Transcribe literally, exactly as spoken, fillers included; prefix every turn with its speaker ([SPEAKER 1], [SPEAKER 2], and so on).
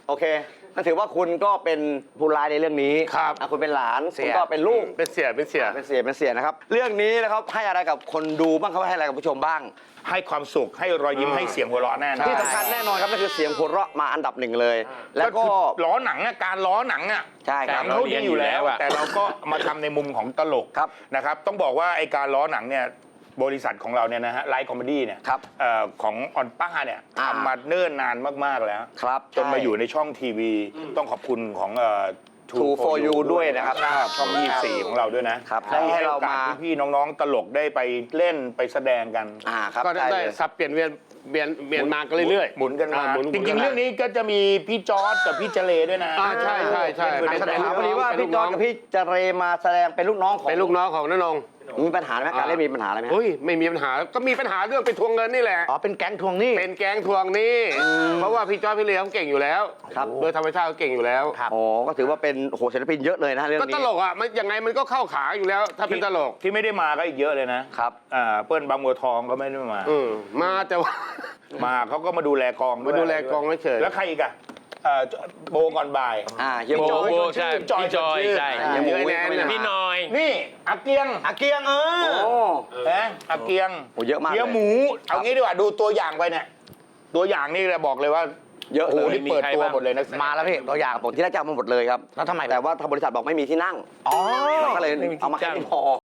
[SPEAKER 1] โอเคนั่นถือว่าคุณก็เป็นผู้ร้ายในเรื่องนี้
[SPEAKER 2] ครับ
[SPEAKER 1] อ่ะคุณเป็นหลานคุณก็เป็นลูก
[SPEAKER 2] เป็นเสียเป็นเสีย
[SPEAKER 1] เป็นเสียเป็นเสียนะครับ เรื่องนี้นะครับให้อะไรกับคนดูบ้างครับให้อะไรกับผู้ชมบ้าง
[SPEAKER 3] ให้ความสุขให้รอยยิ้มให้เสียงหัวเราะแน่นอน
[SPEAKER 1] ที่สำคัญแน่นอนครับนั่นคือเสียงหัวเราะมาอันดับหนึ่งเลย แล้วก็
[SPEAKER 3] คือล้อหนังอะการล้อหนังอะ
[SPEAKER 1] ใช่ครับ
[SPEAKER 3] หนังเขาดีอยู่แล้วแต่เราก็มาทำในมุมของตลก
[SPEAKER 1] ครับ
[SPEAKER 3] นะครับต้องบอกว่าไอการล้อหนังเนี่ยบริษัทของเราเนี่ยนะฮะไลฟ์คอมเมดี้เนี่ย
[SPEAKER 1] ครับ
[SPEAKER 3] เอ่อของออนป้าเนี่ย
[SPEAKER 1] อ่า
[SPEAKER 3] ทำมาเนิ่นนานมากๆแล้ว
[SPEAKER 1] ครับ
[SPEAKER 3] จนมาอยู่ในช่องทีวี ต้องขอบคุณของเอ่อ
[SPEAKER 1] True for You ด้วยนะครับ
[SPEAKER 3] ช่องยี่สิบสี่ของเราด้วยนะครับ
[SPEAKER 1] ได้ให้
[SPEAKER 3] ให้
[SPEAKER 1] เรา
[SPEAKER 3] โอกาส
[SPEAKER 1] มา
[SPEAKER 3] พี่ๆน้องๆตลกได้ไปเล่นไปแสดงกัน
[SPEAKER 1] อ่าครับ
[SPEAKER 2] ก็ได้
[SPEAKER 1] ใช่
[SPEAKER 2] ได้
[SPEAKER 1] เลย
[SPEAKER 2] สับเปลี่ยนเวียนเวียนเวียนมากันเรื่อยๆ
[SPEAKER 3] หมุนกันมา
[SPEAKER 2] อ่หมุน
[SPEAKER 3] จริงๆ เรื่องนี้ก็จะมีพี่จอร์ดกับพี่เจเลด้วยนะ
[SPEAKER 2] อ่าใช่ใช่ใช่
[SPEAKER 3] เป็น
[SPEAKER 1] แส
[SPEAKER 3] แส
[SPEAKER 1] ด
[SPEAKER 3] ด
[SPEAKER 1] ง
[SPEAKER 3] ง
[SPEAKER 1] พอดีว่าพี่จอร์จกับพี่เจเรมาแสดงเป็นลูกน้องของ
[SPEAKER 2] เป็นลูกน้องของน้านง
[SPEAKER 1] มีปัญหาไหมการเล่นมีปัญหาอะไรไหม
[SPEAKER 2] เฮ้ยไม่มีปัญหาก็มีปัญหาเรื่องไปทวงเงินนี่แหละ
[SPEAKER 1] อ๋อเป็นแก๊งทวงหนี้
[SPEAKER 2] เป็นแก๊งทวงหนี้เพราะว่าพี่จอยพี่เลี้ยงเก่งอยู่แล้ว
[SPEAKER 1] ครับ
[SPEAKER 2] โดยธรรมชาติเขาเก่งอยู่แล้ว
[SPEAKER 1] อ๋อก็ถือว่าเป็นโอ้โหศิลปินเยอะเลยนะเรื่อง
[SPEAKER 2] ก็
[SPEAKER 1] นี้
[SPEAKER 2] ตลกอ่ะมันยังไงมันก็เข้าขาอยู่แล้ว ถ้าเป็นตลก
[SPEAKER 3] ที่ไม่ได้มาก็อีกเยอะเลยนะครับ อ่าเปิ้ลบางบัวทองก็ไม่ได้มา
[SPEAKER 2] อืมมาแต่ว่า
[SPEAKER 3] มาเขาก็มาดูแลกองวย
[SPEAKER 2] มาดูแลกองเฉยๆ
[SPEAKER 3] แล้วใครอีกอะเอ่อโบก่อนบ่าย
[SPEAKER 1] อ่าเฮีย
[SPEAKER 4] โบ
[SPEAKER 1] จอย
[SPEAKER 4] โบใช่
[SPEAKER 3] จอย
[SPEAKER 4] พี่จอย
[SPEAKER 3] ชื่อ
[SPEAKER 4] ใช่
[SPEAKER 1] อ่า
[SPEAKER 2] เยอะแน่
[SPEAKER 1] ไม่ได้มา
[SPEAKER 4] พี่น้อย
[SPEAKER 3] นี่อาเกียง
[SPEAKER 1] อาเกียงเออ
[SPEAKER 3] โอ้นะอาเกียง
[SPEAKER 1] โอ้เยอะมากเลย
[SPEAKER 3] เกียงหมู เอางี้ดีกว่าดูตัวอย่างไปเนี่ยตัวอย่างนี่เราบอกเลยว่า
[SPEAKER 1] เยอะ
[SPEAKER 3] โอ้โห
[SPEAKER 1] เลย
[SPEAKER 3] นี่เปิดตัวหมดเลยนะ
[SPEAKER 1] มาแล้วพี่ตัวอย่างผมที่แรกจะเอามาหมดเลยครับแล้วทำไมแต่ว่าทางบริษัทบอกไม่มีที่นั่ง
[SPEAKER 4] อ๋อ
[SPEAKER 1] เราก็เลยเอามาแค่นี้พอ